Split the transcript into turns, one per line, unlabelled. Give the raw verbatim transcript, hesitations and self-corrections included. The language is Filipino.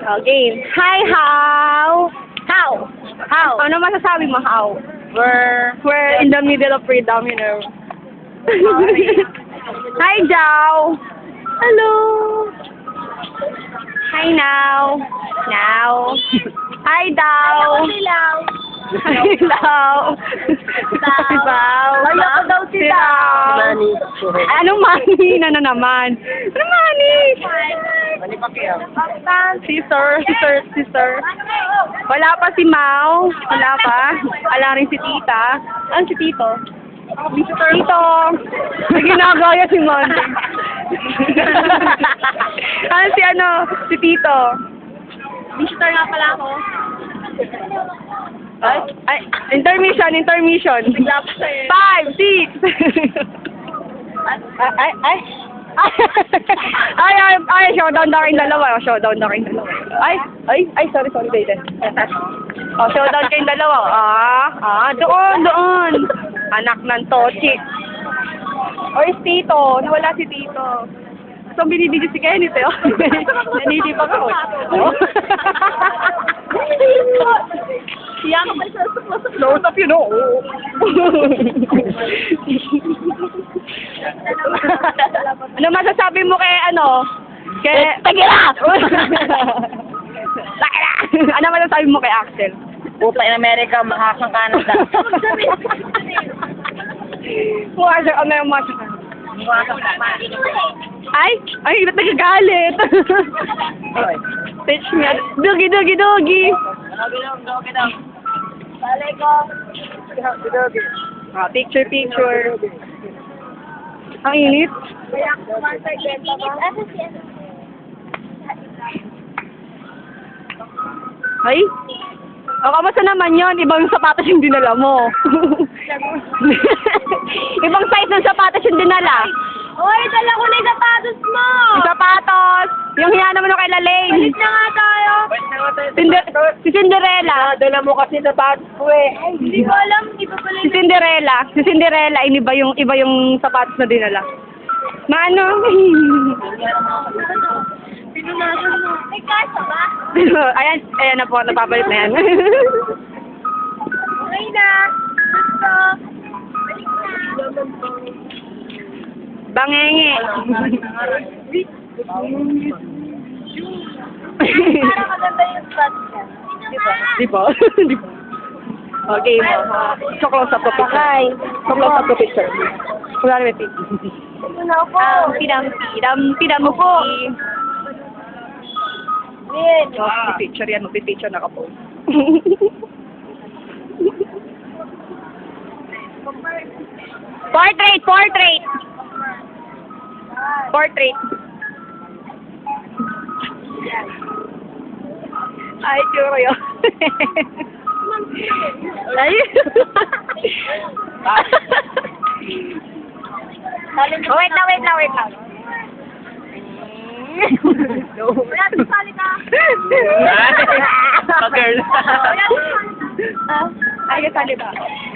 Oh, game. Hi, how? How? How? Ano masasabi mo, how?
We're...
We're in the middle of freedom, you know. Hi, Jao. Hello. Hi, now. Now. Hi, Dao. Hi, Dao. Dao.
Ayoko daw si Dao. Mani.
Anong money na na naman? Anong money?
Mani pa kaya?
Sister, sister, sister. Wala pa si Mau. Wala pa. Wala rin si Tita. Ano si Tito? Tito. May ginagaya si Monday. Ano si ano? Si Tito.
Visitor nga pala ako.
Ay, ay, intermission, intermission.
Bigla pa sa'yo.
Five, six. ay, ay, ay. ay, ay, ay, showdown na kayong dalawa. Showdown na kayong dalawa. Ay, ay, ay, sorry, sorry, Dayden. Oh, showdown kayong dalawa. Ah, ah, doon, doon. Anak ng Tochi. Or si Tito. Nawala si Tito. So, binibigyo si Kenneth, eh. Nanilip ako. Oh.
Siya ka pa sa
Close up, you know. Ano masasabi mo kay ano? Kay...
Tagila!
Tagila! Ano masasabi mo kay Axel?
Puta in America, mahasang Canada.
Mukha siya, ano yung mukha siya?
Mahasang Canada.
Ay! Ay, ba't nagagalit? Teach me. Dogi, dogi, dogi!
Dogi lang, dogi lang. Balay ko. Dogi.
Ah, picture, picture. Ang init.
Kaya ako kumantay benta ba?
Ay? O, kamusta naman yon? Ibang sapatos yung dinala mo. Ibang size ng sapatos yung dinala.
Hoy, dala ko na yung sapatos mo!
Yung sapatos! Yung hiya naman ng kay Lalaine.
Balik na nga tayo!
Cinder si Cinderella.
Dala mo kasi sapatos ko eh. Ay, hindi ko alam. Iba pala
Si Cinderella. Si Cinderella, iniba yung, iba yung sapatos na dinala. Maano?
Pinunasan mo. May kasa ba?
ayan, ayan na po. Napabalik na yan.
Okay na. Gusto. Balik na.
Bangenge.
Parang maganda yung spot niya.
Di ba? Di ba? Okay mo. So close up the picture.
Hi.
So close up the picture. Wala na picture.
Ito na ako.
Um, pidam, pidam, pidam mo po.
Win.
Oh, picture yan. Mag-picture na ka po. Portrait, portrait. Portrait. Ay, sure yun. Ay. oh, wait na, wait na, wait na.
Wala, tusali ka.
Ah, girl.
Wala,
Ay, kasali ba?